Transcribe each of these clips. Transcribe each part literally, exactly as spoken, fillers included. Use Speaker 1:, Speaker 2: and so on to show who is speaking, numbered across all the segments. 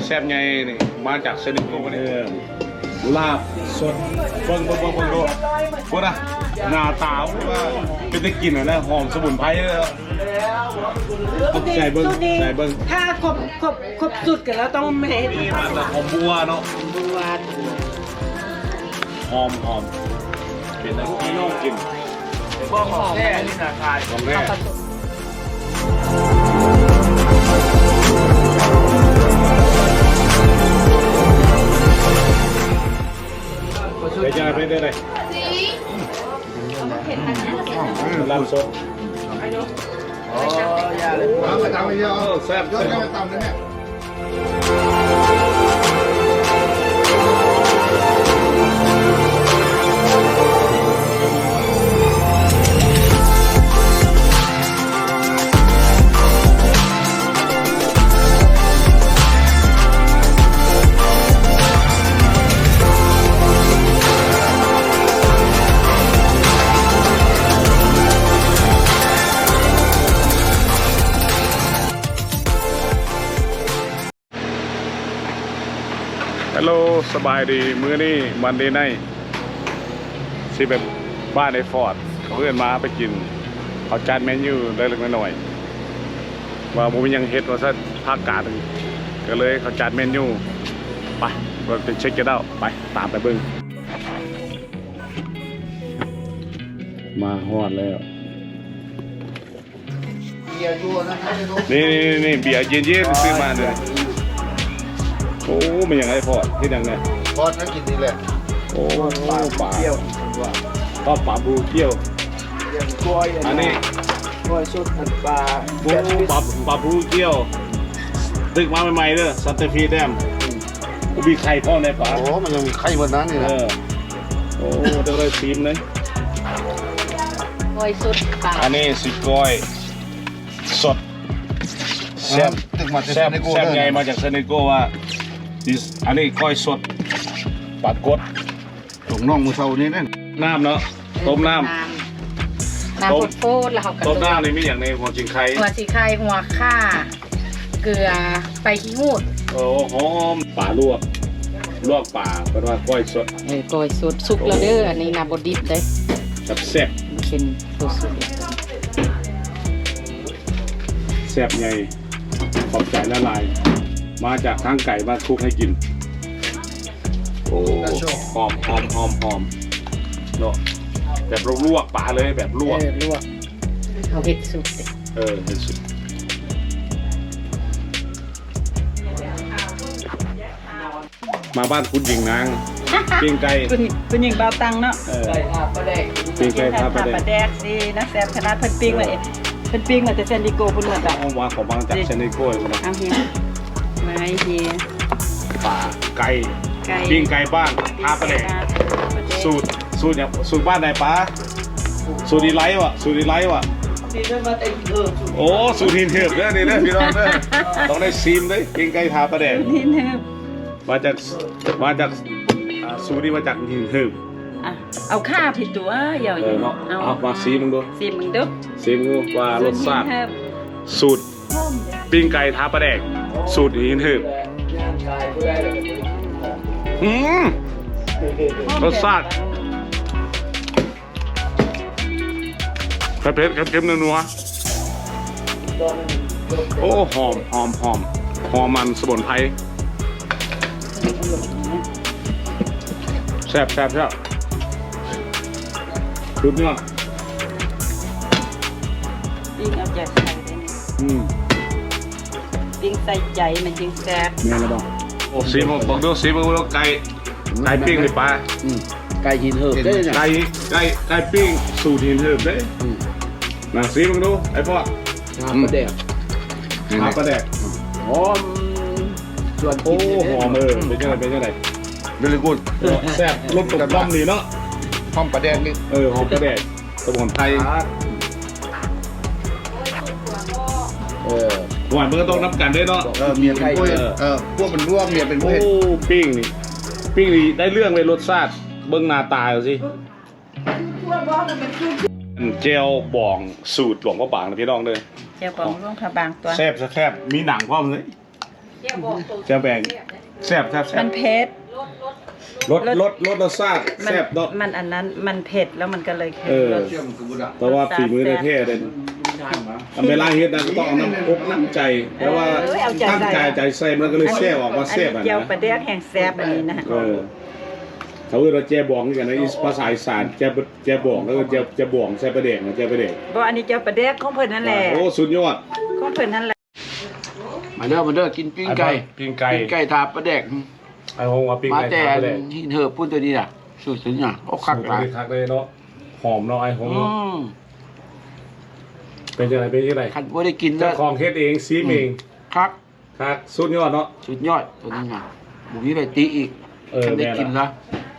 Speaker 1: แซ่บไงนี่มาจากเซนิโกนี่ลาบสดเบิ่งเบิ่งเบิ่งเบิ่งดูพูดนะหน้าตาว่าเป็นตะกินนะหอมสมุนไพรเลยใส่เบิ้งใส่เบิ้ง
Speaker 2: ถ้าครบครบครบสุดกันแล้วต้องแม่
Speaker 1: นี่มาจากหอมบัวเนาะ
Speaker 2: บัว
Speaker 1: หอมหอมเป็นน้ำน้องกินก็หอมแท้นี่นะคายหอมแท้ไปจ้าไปได้เลยลาบสด
Speaker 3: อ๋อยาเลยเอาไปตำไปเยอะ
Speaker 1: แซ่บ
Speaker 3: ยอดไปตำเลยเนี่ย
Speaker 1: ฮัลโหลสบายดีมื้อนี้วันเดย์ไนท์สิแบบบ้านในฟอร์ดเพื่อนมาไปกินเขาจานเมนูได้เล็กน้อยว่าผมยังเฮ็ดว่าซะภาคกลางก็เลยเขาจานเมนูไปเราไปเช็คกันเอาไปตามไปเบิ่งมาฮอดแล้ว
Speaker 3: เบียร์ยัวนะ
Speaker 1: นี่นี่นี่เบียร์เย็นๆซื้อมาเลยโอ้มันยังไงพอที่ดังเนี่ย
Speaker 3: พอดนักกินนี่แหละ
Speaker 1: โอ้ปลาปลาเกี่ยวก็ปลาบูเกี่ยวอันนี้
Speaker 3: กล้วยชุดผัดปลา
Speaker 1: บูปลาปลาบูเกี่ยวตึกมาใหม่ๆเด้อซัตเตอร์ฟีแดมกูมีไข่พ่อในปลา
Speaker 3: โอ้มันยังมีไข่บนนั้นนี่
Speaker 1: เอ
Speaker 3: นะ
Speaker 1: อโอ้เดี๋ยวเราซีมเลย
Speaker 2: กล้วยสุดปลา
Speaker 1: อันนี้สิก้อยสดแซ่บ
Speaker 3: ตึกมา
Speaker 1: แซ่บแซ่บไงมาจากเซเนโกว่าอันนี้ก้อยสดปลากด
Speaker 3: ถุงน่องมือเท่านี้นั่น
Speaker 1: น้ำเนาะต้มน้ำ
Speaker 2: น้ำโฟดแล้วเขากระ
Speaker 1: ต้มน้ำนี่มีอย่างในหัวจิงไข่
Speaker 2: หัวสีไข่หัวข่าเกลือไปขี้หูด
Speaker 1: โอ้หอมป่าลวกลวกป่าเป็นว่าก้อยสด
Speaker 2: เออกล้วยสุดสุกแล้วเด้ออันนี้นาบดิบเด้อ
Speaker 1: แบบแซ่บ
Speaker 2: มันเป็นตัวสุด
Speaker 1: แซ่บไงขอบใจละลายมาจากทางไก่มาคลุกให้กินโอ้หอมหอมหอมหอมเนาะแบบลวกป่าเลยแบบลวก
Speaker 2: เออลวกเขาเห็ดสุดเด้อ
Speaker 1: เออเห็นสุดมาบ้านคุณหญิงนางปิ้งไก่
Speaker 4: คุณคุณหญิงเบาตังเนาะ
Speaker 1: เออปิ้งไก่ทาปลา
Speaker 4: ปลา
Speaker 1: แด
Speaker 4: แด
Speaker 1: ก
Speaker 4: กดีนะแซ่บขนาดเพิ่นปิ้งเลยเพิ่นปิ้งมาแต่เซนดิโกพุ่นเหมือนแบบ
Speaker 1: เอาวางของบางจากเชนโก้ยนะ
Speaker 4: เอาเฮียมาเฮีย
Speaker 1: ป่าไก่
Speaker 4: ไก่
Speaker 1: ปิ้งไก่บ้านทาปลาแดกสูตรสูตรเนี่ยสูตรบ้านไหนป้าสูตรดีไลท์วะสูตรดีไลท์วะโอ้สูตรหินเถือบเนี่ยนี่นะพี่น้องเนี่ยต้องได้ซีมด้วยปิ้งไก่ทาปลาแดก
Speaker 4: นี่เนึบ
Speaker 1: มาจากมาจากอ่าสูตรนี้มาจากหินเถือบ
Speaker 4: อ่ะเอาข้าวผิดตัวเหยา
Speaker 1: เออเนาะเอามาซีมึงดู
Speaker 4: สิมึงดู
Speaker 1: ซีมึงดูว่ารสชาติ
Speaker 4: เฮิบ
Speaker 1: สูตรปิ้งไก่ทาปลาแดกสูตรหินเถือบอืมรสชาติเผ็ดๆเค็มๆนัวๆโอ้หอมหอมหอมหอมมันสมุนไพรแซ่บแซ่บแซ่บสุดยอด
Speaker 4: ปิ้งเอาแจกใส่ได้นี่
Speaker 1: อืม
Speaker 4: ปิ้งใส่ใจมันจึงแซ่บ
Speaker 1: แม่นแล้วบ่โอ้ซีมึงบอกดูซีมึงว่าไก่ไก่ปิ้งหรือปลา
Speaker 3: ไก่หินเหิบได้เนี่ย
Speaker 1: ไก่ไก่ไก่ปิ้งสูตรหินเหิบเด้น่ะซีมึงดูไอ้พ่อ
Speaker 3: ปลาแดก
Speaker 1: หาปลาแดก
Speaker 3: หอมส่วน
Speaker 1: โอ้หอมเออเป็นยังไงเป็นยังไง
Speaker 3: เวลิกูด
Speaker 1: แซ่บรสกลมกล่อมนี่เนาะ
Speaker 3: หอมปลาแดกนี่
Speaker 1: เออหอมปลาแดกสมุนไพร
Speaker 3: เออ
Speaker 1: หวานมันก็ต้องนับกันด้วยเนาะ
Speaker 3: เออเมียเป็นกล้วยเออพวกมันร่วงเมียเป็นกล้
Speaker 1: โอ้
Speaker 3: วย
Speaker 1: ปิ้งนี่ปิ้งนี่ได้เรื่องเลยรสชาติเบิ้งหน้าตาเอาสิเจลบ่องสูตรหลวงพ่อบางนะพี่น้องเด้อ
Speaker 4: เจ้าของร่วงพระบางตัว
Speaker 1: แซ่บแซ่บมีหนังพร้อมเลยแจ่วแบงแซ่บแซ่บแซ่
Speaker 4: มั
Speaker 1: บ
Speaker 4: นเผ็ด
Speaker 1: รสรสรสรสชาติ
Speaker 4: มัน
Speaker 1: แซ่บเนาะ
Speaker 4: มันอันนั้นมันเผ็ดแล้วมันก็เลยเค็ม
Speaker 1: เออ
Speaker 4: รส
Speaker 1: เพราะว่าฝีมือในเท่เด่นทำเวลาเฮ็ดนะก็ต้องเอาน้ำอกน้ำใจแต่ว่าตั้งใจใจใส่มันก็เลยแซ่บออกมาแซ่บ
Speaker 4: อัน
Speaker 1: อ่ะ
Speaker 4: นี้เจียวปลา
Speaker 1: นะ
Speaker 4: แดกแห้งแซ่บอันนี้นะ
Speaker 1: เออเขาเรียกว่าแจ่บองนี่กันนะภาษาอีสานแจ่แจ่บองแล้วก็แจ่แจ่บองใส่ปลาแดกนะแจ่ปลาแดก
Speaker 4: บ่อันนี้เจียวปลาแดกของเพิ่นนั่นแหละ
Speaker 1: โอ้สุดยอด
Speaker 4: ของเพิ่นนั่นแหละ
Speaker 3: มาเด้อมาเด้อกินปิ้งไก่
Speaker 1: ปิ้งไก่
Speaker 3: ปิ้งไก่ทาปลาแดก
Speaker 1: ไอ้หงว่าปิ้ง
Speaker 3: มา
Speaker 1: ไก่
Speaker 3: แต่
Speaker 1: ทาปลาแดก
Speaker 3: ที่เธอพูดตัวนี้น่ะสุดสุดน่ะโอ้คักหลาย
Speaker 1: คักเลยเนาะหอมเนาะไอ้หง
Speaker 3: อืม
Speaker 1: เป็นจังไดเป็นจังได
Speaker 3: คันบ่ได้กินแล้
Speaker 1: เจ้าว ของเฮ็ดเองซีมเอง
Speaker 3: คัก
Speaker 1: คักสุดยอดเนาะ
Speaker 3: สุดยอดตัวนี้น่ะบุมีไปตีอีก
Speaker 1: เออ
Speaker 3: คันได้
Speaker 1: แม่
Speaker 3: กิน
Speaker 1: ล่ะ
Speaker 3: ละ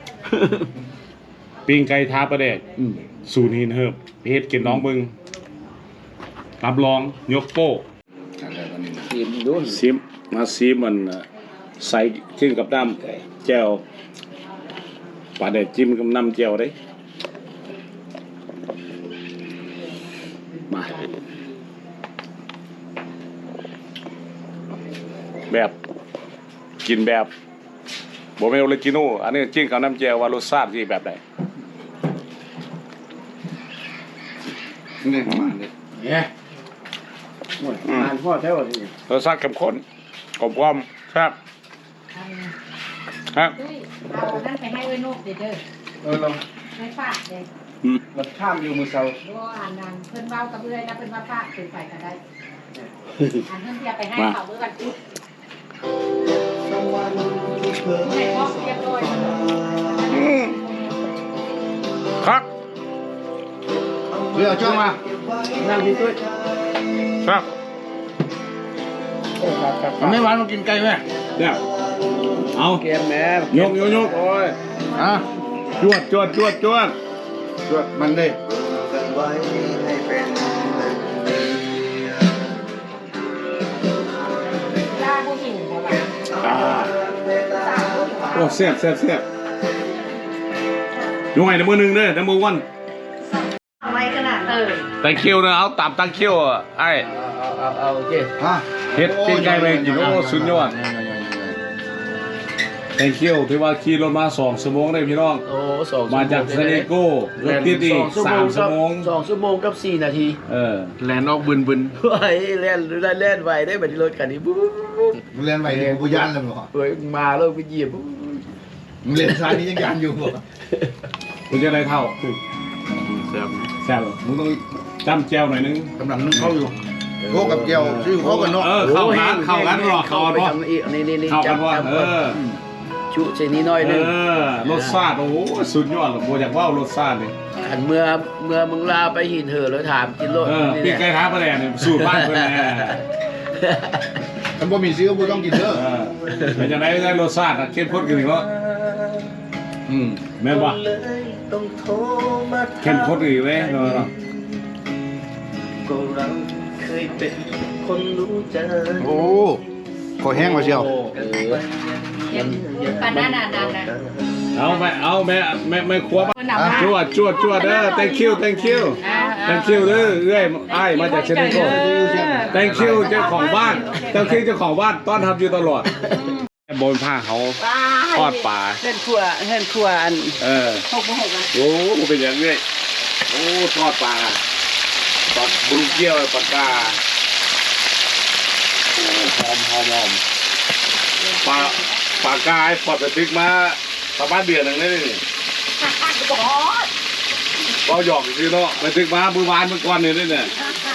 Speaker 1: ปิ้งไก่ทาปลาแดก
Speaker 3: อืม
Speaker 1: ศูนย์หินเหิบเฮ็ดกินน้องมึงรับรองยกโป้
Speaker 3: กินดู
Speaker 1: ซิมมาซิมมันน่ะใส่ขึ้นกับน้ำแจ่วปลาแดกจิ้มกับน้ำแจ่วได้มาแบบกินแบบบ่แม่นออริจินอลอันนี้จิ้มกับน้ำแจ่วว่ารสชาติสิแบบใด
Speaker 3: นี่มาเนี่ยเนี่ยโอ้ยอ่านพ่อแท้ว่าสิ
Speaker 1: รสชาติเข้มข้นกลมกล่อมครับครับ
Speaker 2: เฮ้ยเอาอันนั่นไปให้ไว้นกเด้อเด้อ
Speaker 3: เออเรา
Speaker 2: ไม่ฝากเลย
Speaker 1: อืม
Speaker 3: มันข้ามอยู่มือเซา
Speaker 2: ดูอ่านนั่นเพิ่นเว้ากับเอื้อยนะเพิ่นว่าฝากเป็นไปก็ได้อันเพิ่นเทียบไปให้เขาเมื่อวันพุธให้พ่อเรียบร้อย
Speaker 1: อืมครับ
Speaker 3: เรือจ้องมานั่งที่ตุ้ย
Speaker 1: ครับ
Speaker 3: มันไม่หวานมากินไก่ไหม
Speaker 1: เนี่ยเอา
Speaker 3: เกมแม่
Speaker 1: ยกยกยก
Speaker 3: โอ้ยอ่ะ
Speaker 1: จวดจวดจวดจวด
Speaker 3: จวดมันเลย
Speaker 2: ลาผู้หิวบ่ว่า
Speaker 1: อ่าโอ้แซ่บแซ่บแซ่บยกให้ในมือหนึ่งเด้อในมือวัน
Speaker 2: ไว้ขนาดเออ
Speaker 1: ตังคิวนะเอาตามตังคิวอ่ะไอ้
Speaker 3: เอาเอาเอาโอเคฮะ
Speaker 1: เฮ็ดปิ้งไก่ไปกินโอ้สุดยอด thank you ที่ว่าขี่รถมาสองชั่วโมงได้พี่น้อง
Speaker 3: โอ้สอง
Speaker 1: มาจากซานิโก้รถติดอีกสามชั่วโมง
Speaker 3: สองชั่วโมงกับสี่นาที
Speaker 1: เออ
Speaker 3: แลนออกบึนบึนเฮ้ยแลนได้แลนไวได้แบบที่รถคันนี้ปุ๊บปุ๊บปุ๊บ
Speaker 5: มึงเรียนใหม่กูยันเลยมั้ง
Speaker 3: เฮ้ยมาแล้วไปเหยียบปุ๊บ
Speaker 5: มึงเรียนซานี้ยังยันอยู่บ่
Speaker 1: มึงจะได้เท่า
Speaker 3: แซ่บ
Speaker 1: แซ่บมึงต้องจำแจวหน่อยนึง
Speaker 5: กำลังนึกเข้าอยู่โคกับเกียวชื่อโคกันเนาะ
Speaker 1: เออเข้ากันเข้ากันหรอเข้ากัน
Speaker 3: ไป
Speaker 1: วะ
Speaker 3: ทำอีกนี่นี่นี่
Speaker 1: เข้ากันวะ
Speaker 3: จำ
Speaker 1: เออ
Speaker 3: ชุใส่นี้น้อย
Speaker 1: เอ
Speaker 3: นึง
Speaker 1: อรสชาติโอ้โหสุดยอดเลยโบอยากว่ารสชาตินี่
Speaker 3: ขันเมื่อเมื่อมึงลาไปหินเหอะแล้วถามกินรถ
Speaker 1: เออ
Speaker 3: นี่
Speaker 1: พี่
Speaker 3: แห
Speaker 1: ไก่
Speaker 3: ละ
Speaker 1: ท้าประแดเนี่ยสูตรบ้านเพื่อนแน่
Speaker 5: มันบ่มีซื้อกูต้องกินเด้อ
Speaker 1: เออเป็นยังไงได้รสชาติอะเข้มข้นกันอีกแล้วอืมแม่นปะเข้มข้นอีกเลยเนาะ
Speaker 5: โอ้ขอแห้งมาเชียว
Speaker 2: ปานนั้นน่ะนั่นน่ะ
Speaker 1: เอาแม่เอาแม่แม่แม่ครัว
Speaker 2: เพิ่นเอามา
Speaker 1: จวดจวดจวดเด้อ thank you thank you
Speaker 2: อ่า
Speaker 1: thank you เด้อเอ้ยไอ้ายมาจากเชนิโก้ thank you เจ้าของบ้าน thank you เจ้าของบ้านต้อนรับอยู่ตลอดบนผ้าเขาทอดปลา
Speaker 4: เฮือนครัวเฮือนครัวอัน
Speaker 1: เออ
Speaker 4: หกบ่หกอ่ะ
Speaker 1: โอ้เป็นอย่างนี้โอ้ทอดปลาปลาบลูเกียวปลากาโอ้หอมหอมหอมปลาปลากายปลอดไปตึกมาประมาณเดือนหนึ่งเลยนี่เราหยอกคือเนาะไปตึกมามือวานเมื่อก่อนนี่นี่เนี่ย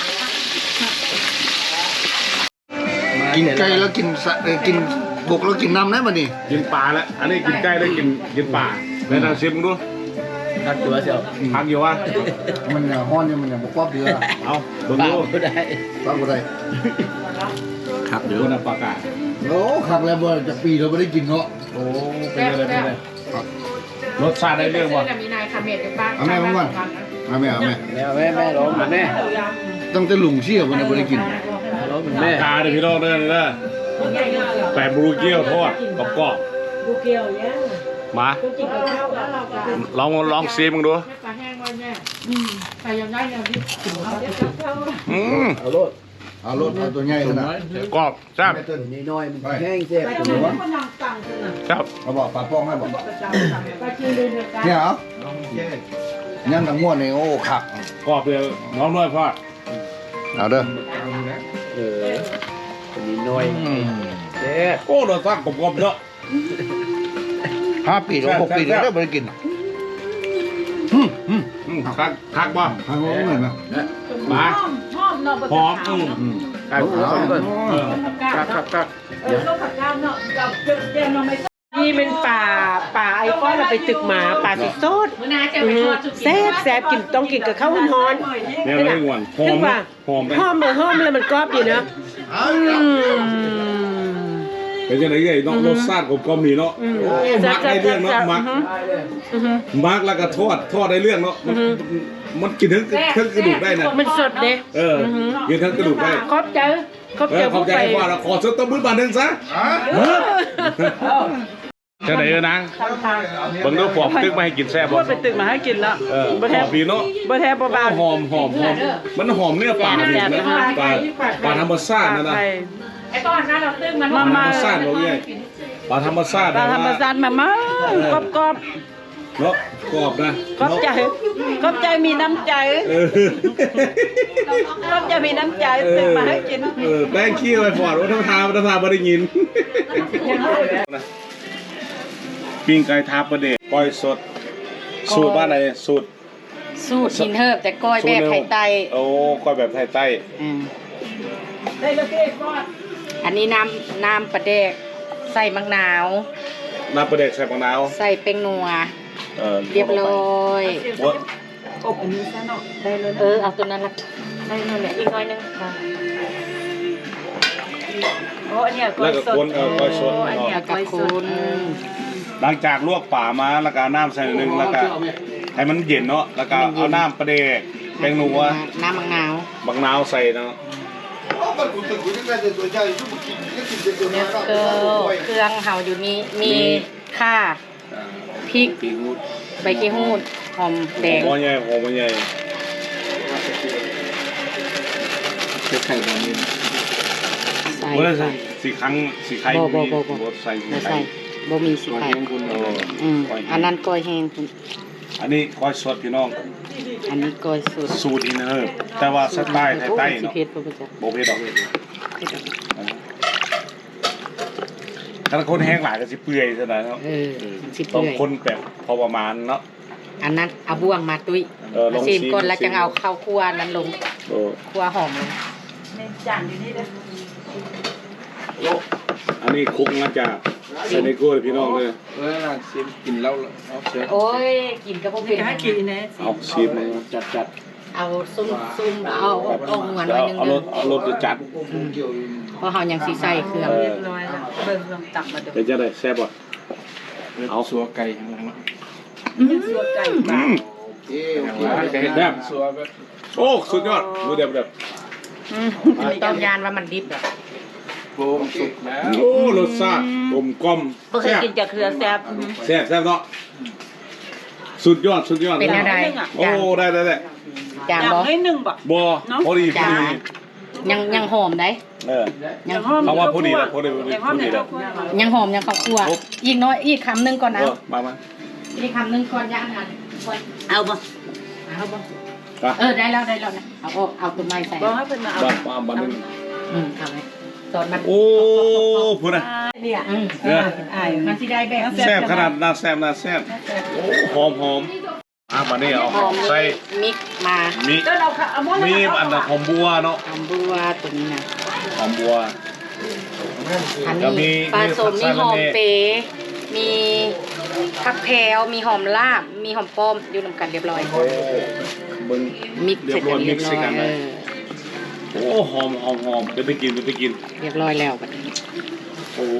Speaker 5: กินไก่แล้วกินสะเอ่อกินบกแล้วกินน้ำได้ป่ะนี่
Speaker 1: กินปลาแล้วอันนี้กินไก่แล้วกินกินปลาแล้วเราชิมดู
Speaker 3: ทักตัวเชียว
Speaker 1: พักอยู่วะ
Speaker 5: มันเนี่ยฮ้อนอยู่มันเนี่ยบ่ครอบเดือ
Speaker 1: เอาดู
Speaker 3: ปา
Speaker 1: ดู
Speaker 3: กก็ได้
Speaker 5: ฟังบ่ได้
Speaker 3: ครับเดี๋
Speaker 1: ดู
Speaker 3: ยว
Speaker 1: นะปลากา
Speaker 5: โอ้คักแล้วบ่จะปีเราบ่ได้กินเนาะ
Speaker 1: โอ้เป็นอะไรเป็นอะไรรสชาติได้เรื่องวะ
Speaker 2: มีนายคาเมดอยู่บ้าน
Speaker 5: เอาแม่มาก่อนเอาแม่เอาแม่
Speaker 3: แม่แม่แม่ร้องเหมือนแม่
Speaker 5: ตั้งแต่ลุงเชี่ยวมันน่ะบ่ได้กิน
Speaker 3: ร้องเหมือน
Speaker 1: ป
Speaker 3: แม่
Speaker 1: ลากาเดี๋ยวพี่น้องเด้อเด้อแปะบลูเกียวทอดกรอบกรอบ
Speaker 4: ลูกเกียวเนี่ย
Speaker 1: มา
Speaker 4: ก็กินกับข้าวแล้วเราก็
Speaker 1: ลองลองซีมึงดู
Speaker 2: ปลาแห้งไว้แม่ใส่ยังได้เนี่ยพี่
Speaker 4: กินกับข้าว
Speaker 1: อืม
Speaker 3: เอาโลด
Speaker 5: เอารถเอาตัวใหญ่ขนาด
Speaker 1: กรอบแซ่บ
Speaker 3: นี่น้อยมันแห้งเสีย
Speaker 4: ไป
Speaker 3: บ
Speaker 4: กินคนนางตังคือน่ะ
Speaker 1: ครับ
Speaker 5: เขาบอกปลาป้องให้บอก
Speaker 4: ไปกินเลยเดียวกัน
Speaker 5: เนี่ยเหรอยันทั้งม้วนนี่โอ้ขัก
Speaker 1: กรอบเลยน้องน้อยพ่อ
Speaker 5: เอาเด้อ
Speaker 3: เออนี่น้อยเสียบ
Speaker 1: โอ้รสชาติกรอบๆเนาะ
Speaker 5: ห้าปีหรือหกปีเดี๋ยวได้ไปกินอืมอืม
Speaker 1: อืมคักคักบ่
Speaker 5: ทางโน้นเลยนะ
Speaker 1: มา
Speaker 4: หอมหอมเนาะ
Speaker 1: หอมอืม
Speaker 5: อืม
Speaker 3: เอาเอาก่อน
Speaker 1: เออ
Speaker 3: ครับครับครับ
Speaker 4: เออต้องผักกาดเนาะกับเจียวเนาะไม่
Speaker 6: นี่เป็นป่าป่าไอ้ก้อนเราไปตึกหมาป่าสีโซด
Speaker 2: มื้อหน้าจะไปทอดสุกี้
Speaker 6: แซ่บแซ่บกินต้องกินกับข้าวร้อน
Speaker 1: เนี่ยไม่หวานหอ
Speaker 6: ถึ
Speaker 1: ม
Speaker 6: งว่า
Speaker 1: หอมไป
Speaker 6: หอมเลยหอมเลยมันกรอบดีนะอืม
Speaker 1: เป็นยังไงเอ้ยเนาะรสชาติกลมๆนี่เนาะ
Speaker 6: อืม
Speaker 1: โอ้มักได้เรื่องเนาะมัก
Speaker 6: อือฮึ
Speaker 1: มักแล้วก็ทอดทอดได้เรื่องเนาะมันมันกินทั้งทั้งกระดูกได้นะ
Speaker 6: มันสดเด้
Speaker 1: เออกินทั้งกระดูกได้
Speaker 6: ครอบใจครอบ
Speaker 1: เอ
Speaker 6: ใจ
Speaker 1: อขอบใจ
Speaker 6: ไป
Speaker 1: พ่อแล้วขอสต๊อปมือบาทหนึงซะจะไหนเออนางบังดูปอบตึกมาให้กินแซ่บ
Speaker 4: พู
Speaker 1: บ่
Speaker 4: ดไปตึกมาให้กินแล้ว
Speaker 1: เออหอมดีเนาะ
Speaker 4: บ่แท้บ่บาน
Speaker 1: หอมหอมหอมมันหอมเนื้อปลาดีนะปลาปลาธรรมชาตินะนะ
Speaker 2: ไอ้ก้อนนะเราตึ้งมัน
Speaker 1: ปลาธรรมชาติเราเนี่ยปลาธรรมชาติ
Speaker 4: ปลาธรรมชาติมามากรอบกรอบ
Speaker 1: เนาะกรอบนะ
Speaker 4: กรอบใจกรอบใจมีน้ำใจ
Speaker 1: เออก
Speaker 4: รอบใจมีน้ำใจตึกมาให้กิน
Speaker 1: เออแป้งขี้ไปฟอดวัฒนธรรมวัฒนธรรมไม่ได้ยินปิ้งไก่ทาประเดชก้อยสดสูตรบ้านไหนสูตร
Speaker 2: สูตรชินเฮิบแต่ก้อยแบบไข่ไต
Speaker 1: โอ้ก้อยแบบไทยใต้
Speaker 2: อืม
Speaker 4: ได้แล้วพี่ก้อน
Speaker 2: อันนี้น้ำน้ำปลาแดกใส่มะนาว
Speaker 1: น้ำประเดชใส่มะนาว
Speaker 2: ใส่เป็นนัว
Speaker 1: เออ
Speaker 2: เรียบร้อย
Speaker 1: ว่า
Speaker 4: อบอันนี้ซะเนาะ
Speaker 2: ได้เลยเออเอาตัวนั้นละได้เลยแหละอีกน้อยนึงค่ะ
Speaker 4: โอ้อันเนี้ยก้อ
Speaker 1: แล้ว
Speaker 4: ย
Speaker 1: ก็
Speaker 4: สด
Speaker 1: คนเออก้อยสด
Speaker 4: อัน
Speaker 1: เนาะ
Speaker 4: เนี้ย
Speaker 2: แล้วก็
Speaker 4: ก้อยส
Speaker 2: คุ
Speaker 4: ด
Speaker 2: ณ
Speaker 1: หลังจากลวกป่ามาแล้วก็เอาน้ำใส่หนึ่งแล้วก็ให้มันเย็นเนาะแล้วก็เอาน้ำประเดชแป้งนัว
Speaker 2: น้ำมะนาว
Speaker 1: บางนาวใส่เนาะ
Speaker 2: แล้วก็เครื่องเห่าอยู่นี้มีข่าพริกใบกี้หูดหอมแดง
Speaker 1: หอมใหญ่หอมใหญ่
Speaker 3: ไข่แบบนี้
Speaker 2: ใส่
Speaker 1: เมื่อสีครั้งสีไข่
Speaker 2: บ่บ่บ่บ่
Speaker 1: บ่ใส่สี
Speaker 2: ไม่
Speaker 1: ไข่
Speaker 2: ใส่บ่มีสีไข่
Speaker 1: เออ
Speaker 2: อืมอันนั้นก้อยแห้งคุณ
Speaker 1: อันนี้ก้อยสดพี่น้อง
Speaker 2: อันนี้ก้อยสด
Speaker 1: สูตรอินเนอร์แต่ว่าสไตล์ไทยๆ
Speaker 2: สิ
Speaker 1: เนาะ
Speaker 2: เผ็ดบ่ประจัก
Speaker 1: โบเพดดอกถ้าคนแห้งหลายก็สิเปื่อยซะหน่อยเนาะ
Speaker 2: เออสิ
Speaker 1: ต้อ
Speaker 2: เปื่
Speaker 1: ง
Speaker 2: อย
Speaker 1: คนแบบพอประมาณเนาะ
Speaker 2: อันนั้นเอาบ่วงมาตุ้ย
Speaker 1: เออลอง
Speaker 2: ชิม
Speaker 1: ชิม
Speaker 2: ก่อนแล้ว
Speaker 1: ชิม
Speaker 2: จะเอาข้าวคั่วนั้นลง
Speaker 1: โอ้
Speaker 2: คั่วหอมลง
Speaker 4: ในจานอยู่นี่เด้อ
Speaker 1: อันนี้คุกมาจากเซเนโกลพี่น้องเลย
Speaker 3: เออน่าชิมกินแล้วเอาเสีย
Speaker 2: โอ้ยกินกับพวก
Speaker 4: นี่
Speaker 2: เป็น
Speaker 4: ก็ให้กินนะ
Speaker 1: เอาชีสมา
Speaker 3: จัดจัด
Speaker 2: เอาซุ่มซุ่มเอาเอาหวาน
Speaker 1: แล้
Speaker 2: ไว้
Speaker 1: ว
Speaker 2: นึง
Speaker 1: เอาร
Speaker 2: เด้
Speaker 1: สเอารสจะจัด
Speaker 3: เกี่ยว
Speaker 2: เพราะเฮายังสิใส่เครื่อง
Speaker 1: เออ
Speaker 4: เรียบร้อยแล้วเบิ่งลองตักมาดู
Speaker 1: เดี๋ยวจะได้แซ่บบ่
Speaker 3: เอาสัวไก่ข้างหลัง
Speaker 4: สัวไก่
Speaker 1: อืม
Speaker 3: เอ๊ะแบบสัวแบบ
Speaker 1: โอ้สุดยอดดูเดี๋ยวเดี๋ยว
Speaker 2: ต้องยานว่ามันดิบอ่ะ
Speaker 3: โฟมสุกแล้ว
Speaker 1: โอ้รสชาติกลมกล่อม
Speaker 4: บ่เคย
Speaker 1: แซ่บ
Speaker 4: กินจากเครือแซ่บ
Speaker 1: แซ่บแซ่บเนาะสุดยอดสุดยอด
Speaker 2: เป็นอะไร
Speaker 1: โอ้ได้ได้ได้
Speaker 2: จาง
Speaker 4: อย่าง
Speaker 2: บ่
Speaker 4: ให้หนึ่งบ่
Speaker 1: บ่พอดีพอ
Speaker 2: จาง
Speaker 1: ดี
Speaker 2: ยังยังหอมได้
Speaker 1: เออ
Speaker 2: ยัง
Speaker 4: หอม
Speaker 1: เขาว่าพอดีแล้วพอดีพอดี
Speaker 4: อย่างห
Speaker 1: พ
Speaker 4: อ
Speaker 1: อ
Speaker 4: ม
Speaker 1: ดี
Speaker 4: ใน
Speaker 1: แล้
Speaker 4: ข้าว วคั่ว
Speaker 2: ยังหอมยังข้าวคั่วอีกน้อยอีกคำหนึงก่อน
Speaker 1: เอ
Speaker 2: นะ
Speaker 1: อมามา
Speaker 2: อีกคำหนึงก่อนย่างอันก่อน
Speaker 4: เอาบ่
Speaker 2: เอาบ่
Speaker 1: อ่ะ
Speaker 2: เออได้แล้วได้แล้วนะเอาเอาเอาตัวไม้ใส่
Speaker 4: บ่ให้เพิ่นมาเอา
Speaker 1: บ้านบ้านบ้านนึง
Speaker 2: อืมเอาไว้ตอนมัน
Speaker 1: โอ้พูดนะ
Speaker 4: เนี่ย
Speaker 2: อืม
Speaker 1: เนี่ย
Speaker 4: อาย
Speaker 2: มันสิได้แบบ
Speaker 1: แซ่บขนาดน่าแซ่บน่าแซ่บโอ้หอมหอมอ่ะมานี่เอา
Speaker 2: หอม
Speaker 1: ใส่
Speaker 2: มิกมา
Speaker 1: มี
Speaker 4: เดินเอาค่ะเอาหมด
Speaker 1: มีอันน่ะหอมบัวเนาะ
Speaker 2: หอมบัวตัวนี้นะ
Speaker 1: หอมบัว
Speaker 2: อัน
Speaker 1: แล้วมี
Speaker 2: นี้ปลาสม
Speaker 1: มี
Speaker 2: มี
Speaker 1: ผัก
Speaker 2: หอม
Speaker 1: สะระแหน่
Speaker 2: เป๋มีผักแพรวมีหอมลาบ มีหอมป้อมอยู่นำกันเรียบร้อย
Speaker 1: โอ้มึง
Speaker 2: มิกเสร็จกันเรียบร้อย
Speaker 1: เรียบร้อยมิกซ์กัน
Speaker 2: เอ
Speaker 1: เลย
Speaker 2: อ
Speaker 1: โอ้หอมหอมหอมเดี๋ยวไปกินเดี๋ยวไปกิน
Speaker 2: เรียบร้อยแล้วบัดนี้
Speaker 1: โอ้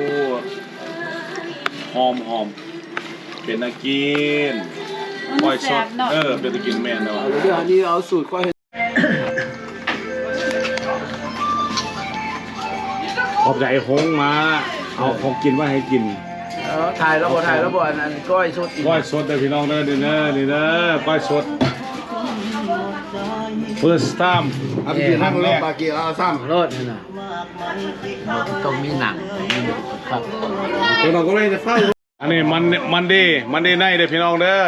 Speaker 1: หอมหอมเป็นนักกินคอยสดเออเป็นนักกินแม่เนาะ
Speaker 3: เดี๋ยวอันนี้เอาสูตรค่อย
Speaker 1: ขอบใจหงมา เอาของกินมาให้กิน
Speaker 3: เออถ่ายแล้วบ่ถ่ายแล้วบ่อันนั้นก้อยสุดอีก
Speaker 1: ก้อยสดเด้อพี่น้องเด้อเด้อเด้อเด้อเด้อก้อยสด first time
Speaker 5: เอาไปกินนั่งรถปากีเอาซ้
Speaker 3: รถนี่นะต้องมีหนังมีครับ
Speaker 5: ตัวน้องก็เลยจะเฝ้า
Speaker 1: อันนี้มันมันดีมันดีในเด้อพี่น้องเด้อ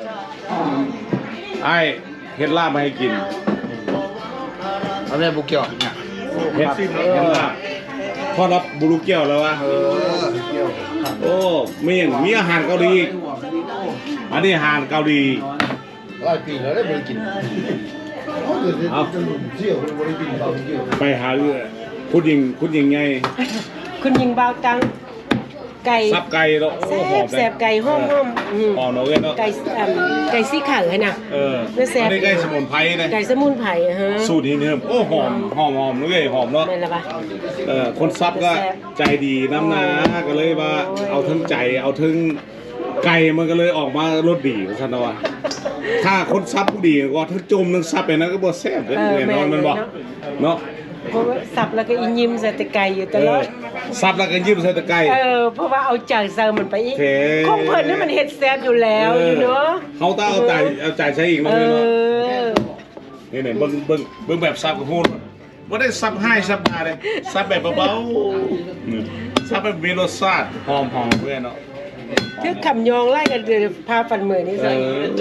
Speaker 1: ไอ้เฮ็ดลาบมาให้กิน
Speaker 5: เอาแม่บุกเกี่ยวเนี่ย
Speaker 1: เฮ็ดเฮ็ดลาบพอรับบุรุเกี่ยวแล้ววะโอ้มีอย่างมีอาหารเกาหลีอีกอันนี้อาหารเกาหลี
Speaker 5: หลายปีแล้วได้ไม่ได้กินเอาเที่ยวไม่ได้กินเราเที่ยว
Speaker 1: ไปหาคุณหญิงคุณหญิงไง
Speaker 6: คุณยิงเบาตังไก่
Speaker 1: ซับไก่เนาะโอ้
Speaker 6: แซ่
Speaker 1: หอม
Speaker 6: บแซ่บไก่ห้อมห้อมอืม
Speaker 1: หอมเนาะเว้ยเนาะ
Speaker 6: ไก่อ่ำไก่ซี่ขังเลยนะ
Speaker 1: เออ
Speaker 6: เนื้อแซ่บ
Speaker 1: อันนี้ไก่สมุนไพรนะ
Speaker 6: ไก่สมุนไพรอะฮะ
Speaker 1: สูตรนี้เนี่ยโอ้หอมหอมหอมเลยหอมเนาะ
Speaker 6: แม่นละปะ
Speaker 1: เออคนซับก็
Speaker 6: แซ่บ
Speaker 1: ใจดีน้ำหนาก็เลยว่าเอาทั้งใจเอาทั้งไก่มันก็เลยออกมารสดีของฉันนะว่าถ้าคนซับผู้ดีก็ทั้งจมทั้งซับไปนั้นก็บ่แซ่บเลยแน่นอนมันบอกเนาะ
Speaker 6: เพราะว่าสับแล้วก็อินยิมใส่แต่ไก่อยู่ต
Speaker 1: เอ
Speaker 6: ลอ
Speaker 1: อ
Speaker 6: ด
Speaker 1: ซับแล้วก็ยิ้มใส่ตะไก่
Speaker 6: เออเพราะว่าเอาใจเซอร์มันไปอีก
Speaker 1: เท่
Speaker 6: ของเพิ่นนี่มันเฮ็ดแซ่บอยู่แล้วอยู่เนาะ
Speaker 1: เขาต้องเอาใจเอาใจใช้อีก
Speaker 6: เอ
Speaker 1: เนาะเนาะ
Speaker 6: อ
Speaker 1: นี่เนี่ยเบิ่งเบิ่งเบิ่งแบบซับกับพูดว่าได้ซับให้ซับมาเลยซับแบบเบาๆนี่ซับแบบมีรสชาติหอมหอมเพื่อนเนาะ
Speaker 6: คือคำยองไล่กันเดี๋ยวพาฟันมือนี่
Speaker 1: เอ
Speaker 6: ใส่
Speaker 1: อ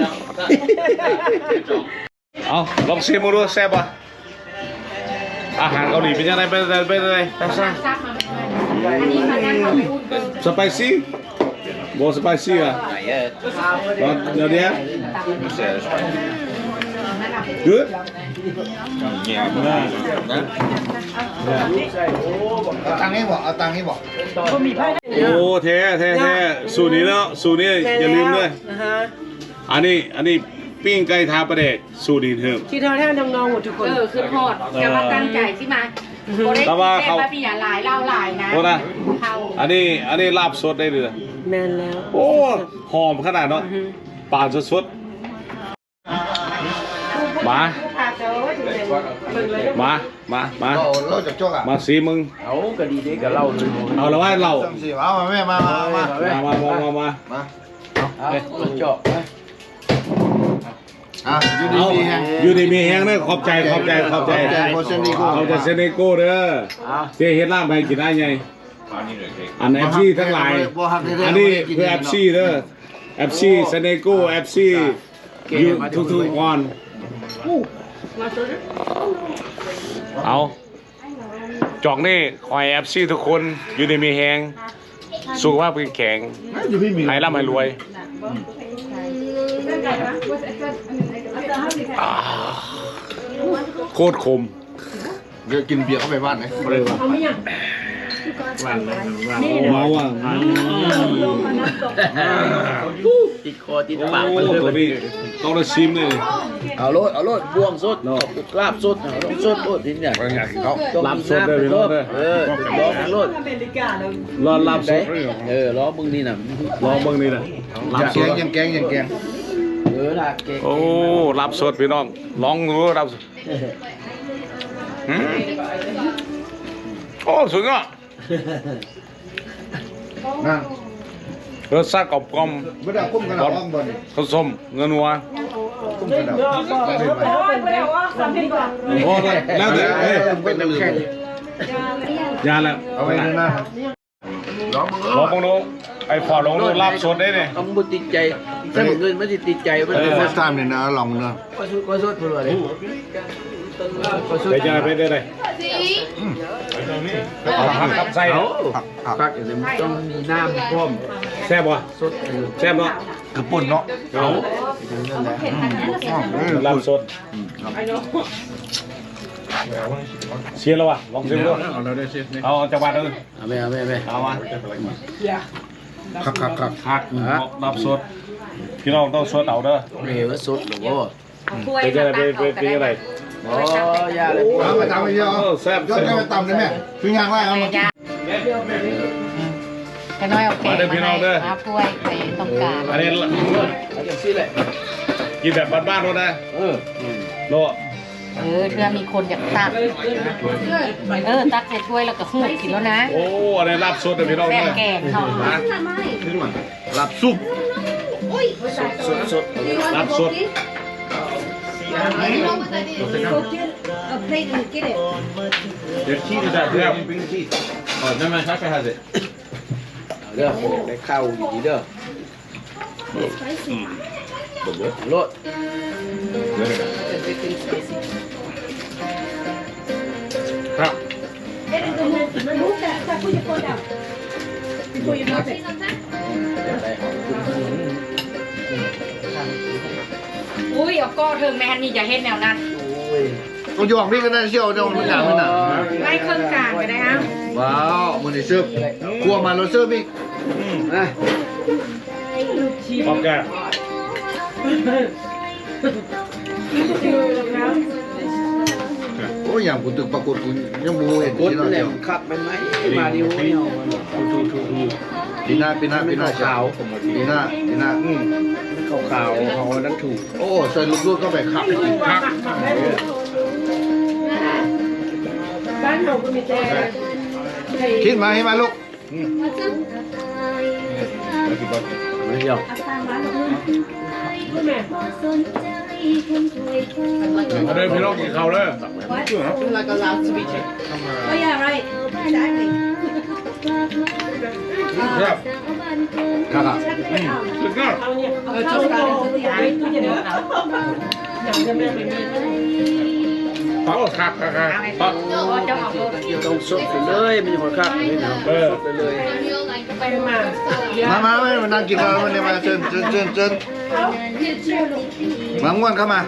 Speaker 1: เอาลองชิมดูแซ่บป่ะอาหารเกาหลีเป็นยังไงเป็นอะไรเป็นอะไรแซ่บสไปซี่บสไปซี่อ่ะเดี๋ยวเดี๋ยว good
Speaker 5: เอาตังค์ให้บอกเอาตังค์ให้บอก
Speaker 6: บ่มีไผได้
Speaker 1: โอ้เท่เท่เท่สูตรนี้แล้วสูตรนี้อย่าลืมเลย
Speaker 6: อ่าฮะ
Speaker 1: อันนี้อันนี้ปิ้งไก่ทาประเดกสูตรนี้เถอะ
Speaker 6: ที่ทอดให้น้องๆหมดทุกคน
Speaker 2: เออคือทอดจะมาตั้งใจสิมาโบได้
Speaker 1: แต่ว่า
Speaker 2: แก้
Speaker 1: เขา
Speaker 2: มาปีอย่าหลายเล่าหลายนะ
Speaker 1: โอ้นะ
Speaker 2: เขา
Speaker 1: อันนี้อันนี้ลาบสดได้เลย
Speaker 6: แม่นแล้ว
Speaker 1: โอ้หอมขนาดเนาะปากสดๆมามามามา
Speaker 5: เราเราจับจกอ่ะ
Speaker 1: มาสีมึง
Speaker 3: เอาก็ดีเด้กับเราเลย
Speaker 1: เอาละว่าเรา
Speaker 5: จังสิเอามาแม่มามามา
Speaker 1: มามามามามา
Speaker 5: มา
Speaker 3: เอาเจาะ
Speaker 5: อ่ะอยู่ดี
Speaker 1: เอา
Speaker 5: มีแฮง
Speaker 1: อยู่ในมีแห้งเด้อขอบใจขอบใจขอบใจ
Speaker 5: ขอบใจโคเซนดิโก้
Speaker 1: ขอบใจเซเนโก้เด้อเจ๊เฮ็ดลาบให้กินได้ไงอันเอฟซีทั้งหลายอันนี้คือเอฟซีเด้อเอฟซีเซเนโก้เอฟซีอยู่ทุกๆวันเอาจอกนี่คอยเอฟซีทุกคนอยู่ในมีแห้งสุขภาพแข็ง
Speaker 5: อยู่พี่มี
Speaker 1: ให้ร่ำให้รวยอ่าโคตรคม
Speaker 5: เดี๋ยวกินเบียร์เข้าไปบ้านไหน
Speaker 1: เมาอ่ะ
Speaker 3: ติดคอติด
Speaker 1: โอ้
Speaker 3: ปาก
Speaker 1: โห
Speaker 3: มันเลย
Speaker 1: ตัวนี้ต้องได้ชิมเลย
Speaker 3: เอาโลดเอาโลดบวงสดลาบสดเอาต้องสดโลดทีเนี่ย
Speaker 5: เขา
Speaker 1: ลาบสดเลยพี่น้องเด้อ
Speaker 3: เออลองโลด
Speaker 6: อเมริกาแล้ว
Speaker 1: รอลาบสด
Speaker 3: เออล้อมึงนี่น่ะ
Speaker 1: ลองเบิ่งนี่นะลาบ
Speaker 5: ยัง
Speaker 1: ส
Speaker 5: แก
Speaker 1: ด
Speaker 5: งยังแกงยังแกง
Speaker 3: เออลาเก่ง
Speaker 1: โอ้ลาบสดพี่น้องลองดูลาบสดอืมโอ้สุดยอด
Speaker 5: นั่ง
Speaker 1: รสชาติกรอบกลอม
Speaker 5: ไม่ได้คุ้มกันหรอกบ้องบน
Speaker 1: ผสมเงินวัว
Speaker 5: คุ้มกันหรอก
Speaker 1: โอ้ได้แล้วแต่เฮ้ย
Speaker 5: เป็นน้ำแข็ง
Speaker 1: ยาแล้ว
Speaker 5: เอาไว้ด้วยนะ
Speaker 1: ลองมองดูไอ้ฟอร์ดลองดูลาบสดได้เนี่ย
Speaker 3: ต้องบุติดใจถ้าเงินไม่ติดใจมัน
Speaker 5: เอ
Speaker 3: จะ
Speaker 5: อ
Speaker 3: มา
Speaker 5: first time เนี่ยนะลองเนาะ
Speaker 3: ก็สุดก็สุดเพื่อเลยก็สุด
Speaker 1: ไปจะไปได้เลยเอาผักกับไส้
Speaker 3: เอา
Speaker 5: ผักผัก
Speaker 3: พักอย่างนี้ต้องมีน้ำพร้อม
Speaker 1: แซ่บวะ
Speaker 3: สดเออ
Speaker 1: แซ่บเนาะ
Speaker 5: กระปุ่นเนาะ
Speaker 1: เอา
Speaker 5: เออ
Speaker 1: ลาบสดเชียร์แล้ววะลองชิมดู
Speaker 5: เอาเราได้เชฟนี่
Speaker 1: เอาจังหวัดเลย
Speaker 3: เอาไปเอาไปเอาไป
Speaker 1: เอาวะ
Speaker 5: ครับครับครับ
Speaker 1: ผักลาบสดพี่น้องต้องสดเอาเด้อ
Speaker 3: เออสดหรือว่า
Speaker 2: ถ้วย
Speaker 1: ไปจะไปไปไปอะไร
Speaker 3: โอ้ยาเลย
Speaker 5: เอาไปตำไปเดียว
Speaker 1: แซ่บ
Speaker 5: ยอดก็ไปตำได้ไหมคือยางไรเอามา
Speaker 2: แค่น้อยโอเค
Speaker 1: มาเด้อพี่น้องเด้อ
Speaker 2: มาถ้วยไปตรงกลาง
Speaker 1: อันนี้
Speaker 3: เอาอย่างนี้แหละ
Speaker 1: กินแบบบ้านๆโน่นนะ
Speaker 3: เออ
Speaker 1: โล
Speaker 2: เออเพื่อมีคนอยากตักเออตักใส่ถ้วยแล้วก็หูกินแล้วนะ
Speaker 1: โอ้อันนี้ลาบสดเด้อพี่น้อง
Speaker 2: แซ่
Speaker 1: เด้
Speaker 2: บ
Speaker 1: อ
Speaker 2: แกงเขา
Speaker 5: หลับซุป
Speaker 3: สดสด
Speaker 1: ลาบสด
Speaker 5: There's cheese in that. Yeah, bring the cheese. Oh, never mind. Sasha has it.
Speaker 3: เด้อได้ข้าวอยู่ดีเด้อรส
Speaker 1: ครับ
Speaker 2: อุ้ยเอาก็เทิงแม่นี่อย่าเฮ็ดแนวนั้น
Speaker 5: ต้องยองพี่ก็ได้เชี่ยวเดี๋ยวมันหนักมันหนัก
Speaker 2: ไล่เครื่องกลางไปได้ฮะ
Speaker 5: ว้าวมันได้เสิร์ฟครัวมาเราเสิร์ฟอีกนะ
Speaker 1: พร้อมแก
Speaker 5: โอ้ยอย่างกูตึกปรากฏกูยังมูเห็น
Speaker 3: กด
Speaker 5: ที่เรา
Speaker 3: แหล
Speaker 5: เดียว
Speaker 3: มขับมันไหมมาดิวเนี่ย
Speaker 5: ปีหน้าปีหน้าปีหน้าขาวปีหน้าปีหน้า
Speaker 3: ขาวขาวเขานั้นถูก
Speaker 5: โอ้ใส่ลูกๆก็ไปขับ
Speaker 1: ครับ
Speaker 6: บ้านเราก็มีแต่
Speaker 5: คิดมาให้มาลูก
Speaker 3: ไม่เดียว
Speaker 1: เอาเดินพี่น้องกินข้าวเด้อ
Speaker 3: like a loud speech
Speaker 4: Oh yeah, right. Exactly.
Speaker 1: ครับ
Speaker 5: ครับ
Speaker 1: สุดยอด
Speaker 6: เอาเนี่ยเอาเข้าไปในตู้เย็นเอาอย่างจะไม่เป็นมี
Speaker 1: โอ้ครับครับครับ
Speaker 2: เอาเจ้าออกรถ
Speaker 3: ต้องสดไปเลยมันจะคนขับนี่นะ
Speaker 1: เออ
Speaker 3: ไปเลย
Speaker 6: ไปมา
Speaker 5: มามาไม่มานั่งกินข้าวมันเนี่ยมาเชิญเชิญเชิญเชิญมาง่วนเข้ามา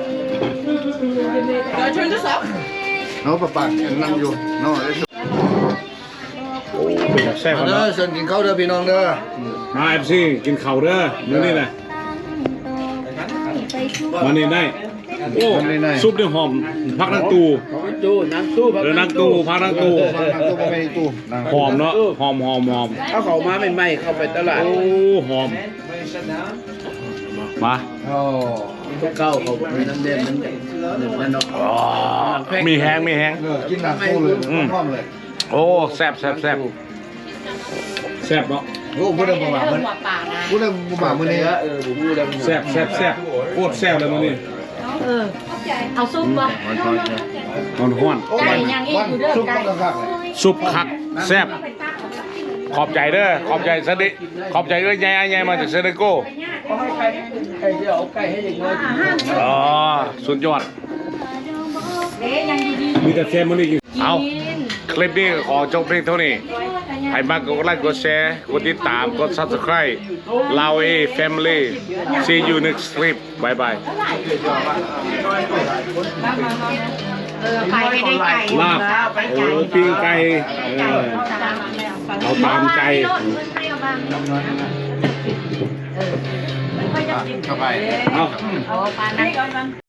Speaker 6: เดี๋ยวช่วยจะสอบ
Speaker 5: เนาะปะปากนั่งอยู่เนาะ
Speaker 1: โอ้เป็นแบบแซ่บ
Speaker 5: มา
Speaker 1: เนาะ
Speaker 5: เด้อเชิญกินข้าวเด้อพี่น้องเด้อ
Speaker 1: มาเอฟซีกินข้าวเด้อมื้อนี้นะมานี่ได้โอ้ซุปเนี่ยหอมพักนังตู
Speaker 3: ตู้น้ำตู้
Speaker 1: เดี๋ยวนังตูพักนังตู
Speaker 5: นั่งตู้ไม่ตู้นั่ง
Speaker 1: หอมเนาะหอมหอมหอม
Speaker 3: ถ้าเขามาใหม่ๆเข้าไปตลาด
Speaker 1: โอ้หอมมา
Speaker 5: โอ้
Speaker 3: เก้าเขาเป็นน้ำเด่นมันหนึ่งมันเนาะ
Speaker 1: อ๋อมีแห้งมีแห้ง
Speaker 5: เออกินหนักตู้เลยพร้อมเลย
Speaker 1: โอ้แซ่บแซ่บแซ่บแซ่บเนาะ
Speaker 5: โอ้พูดเรื่องบ่มา
Speaker 2: เริ่
Speaker 5: เมื่
Speaker 2: ม
Speaker 5: อ
Speaker 2: หัวป่านะ
Speaker 5: พูดเรื่องบ่มาเมื่อนี้
Speaker 3: เออผมพูดแล้ว
Speaker 1: แซ่บแซ่บแซ่บโคตรแซ่บเลยมื้อนี้
Speaker 2: เออเอาซุปวะ
Speaker 1: ร้อนร้อน
Speaker 2: ไก่ยังอีกอยู่เด้อ
Speaker 5: ซุป
Speaker 2: ไก่
Speaker 5: ต้องคักเลย
Speaker 1: ซุปคักแซ่บขอบใจเด้อขอบใจสดิขอบใจเด้อยายยายมาจากเซเนโก
Speaker 3: เขาให้ไก่ไก่เดียวเอาไก่ให้เด็กน้อยกิน
Speaker 1: อ๋อสุดยอด
Speaker 2: เอ๊ะยังดี
Speaker 1: มีแต่แซ่บมื้อนี้กิน
Speaker 2: ๆ
Speaker 1: เอา
Speaker 2: กิน
Speaker 1: คลิปนี้ขอจบเพียงเท่านี้ใครมากกดไลค์กดแชร์กดติดตามกด Subscribe ลาวเอ Family see you next clip bye bye
Speaker 2: เออไปไม่ได้ไก่
Speaker 1: ลาบโอ้ปิ้งไก่เออเอาตามใจ
Speaker 5: เข้าไป
Speaker 1: เอา
Speaker 2: เอาปลาไหน